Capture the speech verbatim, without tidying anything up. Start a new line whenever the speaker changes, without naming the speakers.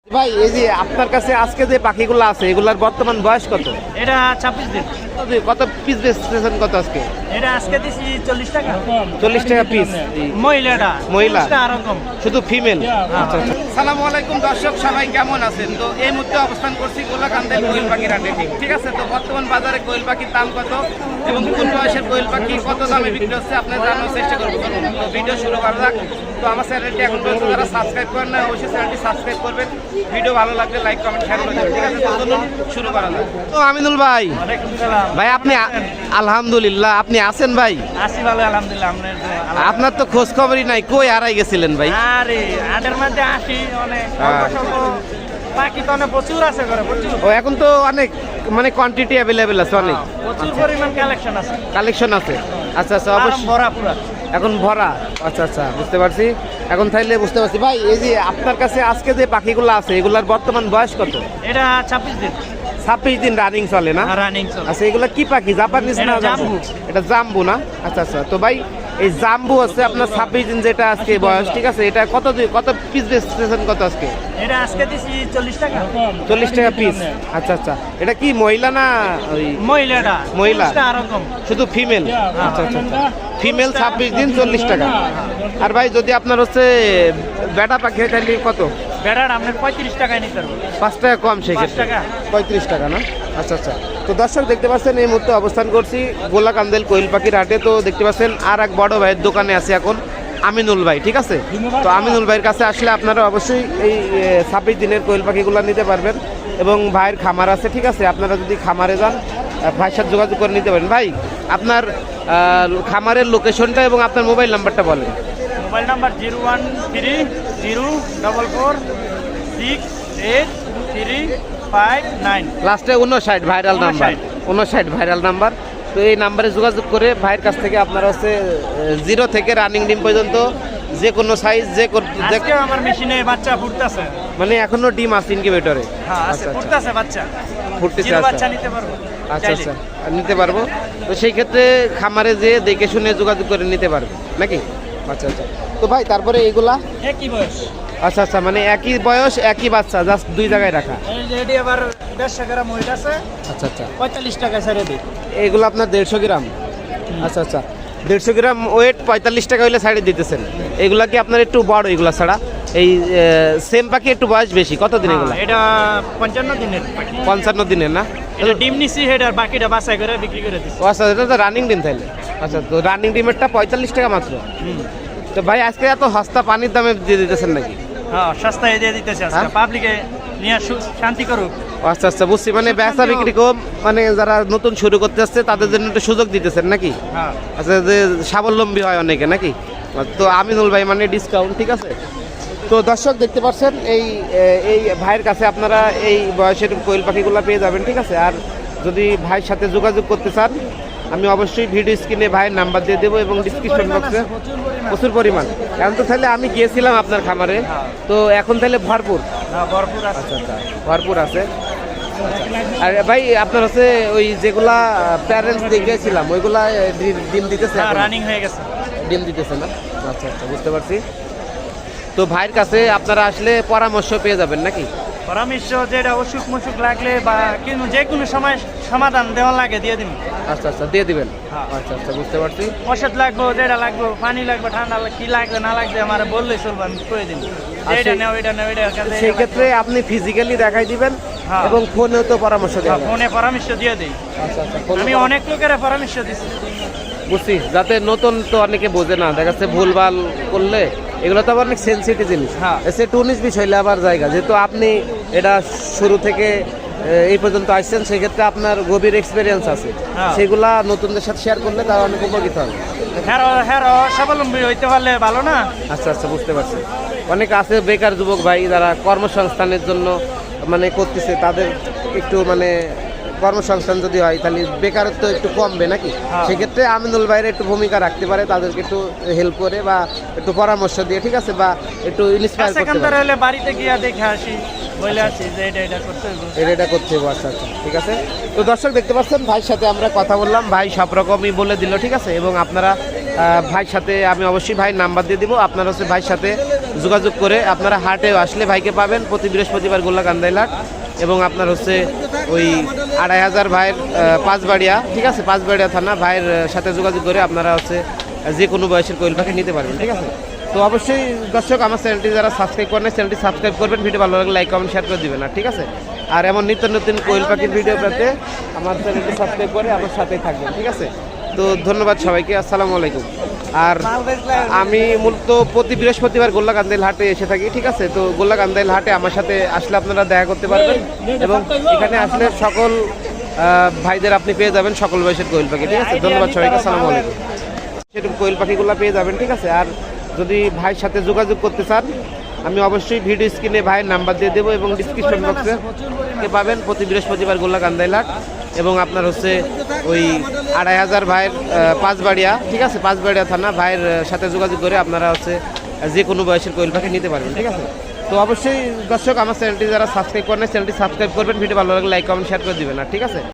ভাই এই যে আপনার কাছে আজকে যে পাখিগুলো আছে এগুলার বর্তমান বয়স কত?
এটা ছাব্বিশ দিন।
কত পিস বেচতেছেন কত আজকে?
এটা আজকে দিছি চল্লিশ টাকা।
চল্লিশ টাকা পিস।
মহিলাটা
মহিলা
আর কম,
শুধু ফিমেল। আচ্ছা আচ্ছা। আসসালামু আলাইকুম দর্শক, সবাই কেমন আছেন? তো এই মুহূর্তে অবস্থান করছি গোলাকান্দের কোয়েল পাখির হাটে। ঠিক আছে, তো বর্তমান বাজারে কোয়েল পাখির দাম কত এবং কোন বয়সের কোয়েল পাখি কত দামে বিক্রি হচ্ছে আপনারা জানার চেষ্টা করবো। তো ভিডিও শুরু করা যাক। তো আমার চ্যানেলটি এখন পর্যন্ত যারা সাবস্ক্রাইব করেন না অবশ্যই চ্যানেলটি সাবস্ক্রাইব করবেন। ভিডিও ভালো লাগলে লাইক কমেন্ট শেয়ার করে দেবেন। ঠিক আছে, তো চলুন শুরু করা যাক। তো আমিনুল ভাই, ভাই আপনি আলহামদুলিল্লাহ আপনি আছেন ভাই?
আসি ভালো আলহামদুলিল্লাহ।
আপনার তো খোঁজ খবরই নাই, কই হারাই গেছিলেন ভাই?
আরে হাটের মধ্যে আসি অনেক পাখি তো অনেক প্রচুর আছে করে প্রচুর।
ও এখন তো অনেক মানে কোয়ান্টিটি অ্যাভেলেবেল আছে, অনেক
প্রচুর পরিমাণ কালেকশন আছে।
কালেকশন আছে। আচ্ছা আচ্ছা, অবশ্যই
ভরা পুরা
এখন ভরা। আচ্ছা আচ্ছা, বুঝতে পারছি এখন, তাইলে বুঝতে পারছি। ভাই এই যে আপনার কাছে আজকে যে পাখিগুলো আছে এগুলার বর্তমান বয়স কত?
এটা ছাব্বিশ দিন।
ছাব্বিশ দিন রানিং চলে না?
রানিং চলে।
আচ্ছা, এগুলা কি পাখি? জাপানিজ না জাম্বু? এটা জাম্বু না? আচ্ছা আচ্ছা। তো ভাই এই জাম্বু আছে আপনার ছাব্বিশ দিন যেটা আজকে বয়স, ঠিক আছে, এটা কত কত পিস বেচতেছেন কত আজকে?
এটা আজকে দিছি চল্লিশ টাকা।
চল্লিশ টাকা পিস। আচ্ছা আচ্ছা, এটা কি মহিলা না ওই?
মহিলাটা
মহিলা
আর কম,
শুধু ফিমেল। আচ্ছা আচ্ছা, ফিমেল ছাব্বিশ দিন চল্লিশ টাকা। আর ভাই যদি আপনার হচ্ছে বেটা পাখি তাহলে কত?
বেড়ার আপনার পঁয়ত্রিশ টাকায় নিতে পারবো।
পাঁচ টাকা কম সেক্ষেত্রে, পঁয়ত্রিশ টাকা না? আচ্ছা আচ্ছা। তো দর্শক দেখতে পাচ্ছেন এই মুহূর্তে অবস্থান করছি গোলাকান্দেল কোয়েল পাখির হাটে। তো দেখতে পাচ্ছেন আর এক বড় ভাইয়ের দোকানে আছে এখন আমিনুল ভাই। ঠিক আছে, তো আমিনুল ভাইয়ের কাছে আসলে আপনারা অবশ্যই এই ছাব্বিশ দিনের কোয়েল পাখিগুলো নিতে পারবেন এবং ভাইয়ের খামার আছে। ঠিক আছে, আপনারা যদি খামারে যান ভাইয়ের সাথে যোগাযোগ করে নিতে পারেন। ভাই আপনার খামারের লোকেশনটা এবং আপনার মোবাইল নাম্বারটা বলেন।
Mobile number zero one three zero double four six eight three five nine,
লাস্টে উনষাট ভাইরাল নাম্বার, উনষাট ভাইরাল নাম্বার। তো এই নাম্বারে যোগাযোগ করে ভাইয়ের কাছ থেকে আপনারা হচ্ছে জিরো থেকে রানিং ডিম পর্যন্ত যে কোনো সাইজ যে
আমার মেশিনে বাচ্চা ফুটতেছে,
মানে এখনো ডিম আছে ইনকিউবেটরে?
ফুটতেছে বাচ্চা,
ফুটতেছে।
বাচ্চা নিতে পারবো।
আচ্ছা আচ্ছা, নিতে পারবো। তো সেই ক্ষেত্রে খামারে যে দেখে শুনে যোগাযোগ করে নিতে পারবে নাকি? আচ্ছা আচ্ছা। তো ভাই তারপরে এইগুলা
একই বয়স?
আচ্ছা আচ্ছা, মানে একই বয়স একই বাচ্চা, জাস্ট দুই জায়গায় রাখা।
এটি আবার দেড়শো গ্রাম ওয়েট আছে।
আচ্ছা আচ্ছা,
পঁয়তাল্লিশ টাকা ছেড়ে দিই।
এইগুলো আপনার দেড়শো গ্রাম? আচ্ছা আচ্ছা, দেড়শো গ্রাম ওয়েট পঁয়তাল্লিশ টাকা হইলে সাইডে দিতেছেন। এগুলা কি আপনার একটু বড়? এগুলা ছাড়া এই সেম পাখি একটু বয়স বেশি, কত দিন এগুলো?
এটা পঞ্চান্ন দিনের।
পঞ্চান্ন দিনের না?
এটা ডিম নিছি, হেডার বাকিটা বাছাই করে বিক্রি করে দিচ্ছি।
আচ্ছা, এটা তো রানিং ডিম তাইলে? আচ্ছা, তো রানিং ডিমেরটা পঁয়তাল্লিশ টাকা মাত্র। তো ভাই আজকে এত সস্তা পানির দামে দিয়ে দিতেছেন নাকি?
হ্যাঁ, সস্তায় দিয়ে দিতেছে আজকে, পাবলিকে নিয়ে শান্তি করুক।
আচ্ছা আচ্ছা, বুঝছি, মানে ব্যবসা বিক্রি কম, মানে যারা নতুন শুরু করতে আসছে তাদের জন্য একটু সুযোগ দিতেছেন নাকি?
হ্যাঁ।
আচ্ছা, যে স্বাবলম্বী হয় অনেকে নাকি? তো আমিনুল ভাই মানে ডিসকাউন্ট। ঠিক আছে, তো দর্শক দেখতে পাচ্ছেন এই এই ভাইয়ের কাছে আপনারা এই বয়সের কোয়েল পাখিগুলো পেয়ে যাবেন। ঠিক আছে, আর যদি ভাইয়ের সাথে যোগাযোগ করতে চান আমি অবশ্যই ভিডিও স্ক্রিনে ভাইয়ের নাম্বার দিয়ে দেবো এবং ডিসক্রিপশন বক্সে প্রচুর পরিমাণ। এখন তো তাহলে আমি গিয়েছিলাম আপনার খামারে, তো এখন তাহলে ভরপুর?
ভরপুর আছে।
আচ্ছা আচ্ছা, ভরপুর আছে। আর ভাই আপনার হচ্ছে ওই যেগুলা প্যারেন্টস দেখেছিলাম ওইগুলা ডিম দিতেছে?
রানিং হয়ে গেছে,
ডিম দিতেছে না? আচ্ছা আচ্ছা, বুঝতে পারছি। তো ভাইয়ের কাছে আপনারা আসলে পরামর্শ পেয়ে যাবেন নাকি?
পরামর্শ যেটা অসুখ মসুখ লাগলে বা কিন্তু যে কোনো সময় সমাধান দেওয়া লাগে দিয়ে দিন।
আচ্ছা আচ্ছা, দিয়ে দিবেন। আচ্ছা আচ্ছা, বুঝতে পারছি।
ওষুধ লাগবে, যেটা লাগবে, পানি লাগবে, ঠান্ডা কি লাগবে না লাগবে আমার বললেই চলবে, আমি করে দিন। এটা নেও, এটা নেও, এটা।
সেই ক্ষেত্রে আপনি ফিজিক্যালি দেখাই দিবেন এবং ফোনেও তো পরামর্শ দেবেন?
ফোনে পরামর্শ দিয়ে দিই।
আচ্ছা আচ্ছা,
আমি অনেক লোকের পরামর্শ দিচ্ছি,
বুঝছি, যাতে নতুন তো অনেকে বোঝে না, দেখা যাচ্ছে ভুলভাল করলে এগুলো তো আবার অনেক সেন্সিটিভ জিনিস। সে টু উনিশ বিশ হইলে আবার জায়গা, যেহেতু আপনি এটা শুরু থেকে এই পর্যন্ত আসছেন সেক্ষেত্রে আপনার গভীর এক্সপিরিয়েন্স আছে, সেগুলা নতুনদের সাথে শেয়ার করলে তারা অনেক উপকৃত হবে।
হ্যাঁ হ্যাঁ, স্বাবলম্বী হইতে পারলে ভালো না?
আচ্ছা আচ্ছা, বুঝতে পারছি। অনেক আছে বেকার যুবক ভাই যারা কর্মসংস্থানের জন্য মানে করতেছে, তাদের একটু মানে কর্মসংস্থান যদি হয় তাহলে বেকারত্ব একটু কমবে নাকি? সেক্ষেত্রে আমিনুল ভাইয়ের একটু ভূমিকা রাখতে পারে, তাদেরকে একটু হেল্প করে বা একটু পরামর্শ দিয়ে, ঠিক আছে, বা একটু ইন্সপায়ার করতে পারে।
বাড়িতে গিয়ে দেখে আসি, বলে আসি যে এটা এটা করতে হবে,
এটা এটা করতে হবে। আচ্ছা আচ্ছা, ঠিক আছে। তো দর্শক দেখতে পাচ্ছেন ভাইয়ের সাথে আমরা কথা বললাম, ভাই সব রকমই বলে দিল। ঠিক আছে, এবং আপনারা ভাইয়ের সাথে আমি অবশ্যই ভাইয়ের নাম্বার দিয়ে দিব, আপনারা হচ্ছে ভাইয়ের সাথে যোগাযোগ করে আপনারা হাটে আসলে ভাইকে পাবেন প্রতি বৃহস্পতিবার গোল্লাকান্দাইল হাট। এবং আপনার হচ্ছে ওই আড়াই হাজার ভাইয়ের আহ, পাঁচবাড়িয়া, ঠিক আছে, পাঁচবাড়িয়া থানা ভাইয়ের আহ, সাথে যোগাযোগ করে আপনারা হচ্ছে যে কোনো বয়সের কোয়েল পাখি নিতে পারবেন, ঠিক আছে। তো অবশ্যই দর্শক আমার চ্যানেলটি যারা সাবস্ক্রাইব করেন চ্যানেলটি সাবস্ক্রাইব করবেন, ভিডিও ভালো লাগলে লাইক কমেন্ট শেয়ার করে দিবেন, আর ঠিক আছে। আর এমন নিত্য নতুন কোয়েল পাখির ভিডিও পেতে আমার চ্যানেলটি সাবস্ক্রাইব করে আমার সাথেই থাকবেন, ঠিক আছে। তো ধন্যবাদ সবাইকে, আসসালামু আলাইকুম। আর আমি মূলত প্রতি বৃহস্পতিবার গোল্লাকান্দাইল হাটে এসে থাকি, ঠিক আছে। তো গোল্লাকান্দাইল হাটে আমার সাথে আসলে আপনারা দেখা করতে পারবেন এবং এখানে আসলে সকল আহ, ভাইদের আপনি পেয়ে যাবেন সকল বয়সের কোয়েল পাখি, ঠিক আছে। ধন্যবাদ সবাইকে, আসসালামু আলাইকুম। সেরকম কোয়েল পাখিগুলো পেয়ে যাবেন, ঠিক আছে। আর যদি ভাইয়ের সাথে যোগাযোগ করতে চান আমি অবশ্যই ভিডিও স্ক্রিনে ভাইয়ের নাম্বার দিয়ে দেবো এবং ডিসক্রিপশন বক্সে পাবেন প্রতি বৃহস্পতিবার গোল্লাকান্দাইল হাট। এবং আপনার হচ্ছে ওই আড়াই হাজার ভাইয়ের আহ, পাঁচবাড়িয়া, ঠিক আছে, পাঁচবাড়িয়া থানা ভাইয়ের আহ, সাথে যোগাযোগ করে আপনারা হচ্ছে যে কোনো বয়সের কোয়েল পাখি নিতে পারবেন, ঠিক আছে। তো অবশ্যই দর্শক আমার চ্যানেলটি যারা সাবস্ক্রাইব করেন চ্যানেলটি সাবস্ক্রাইব করবেন, ভিডিও ভালো লাগলে লাইক কমেন্ট শেয়ার করে দিবেন, আর ঠিক আছে।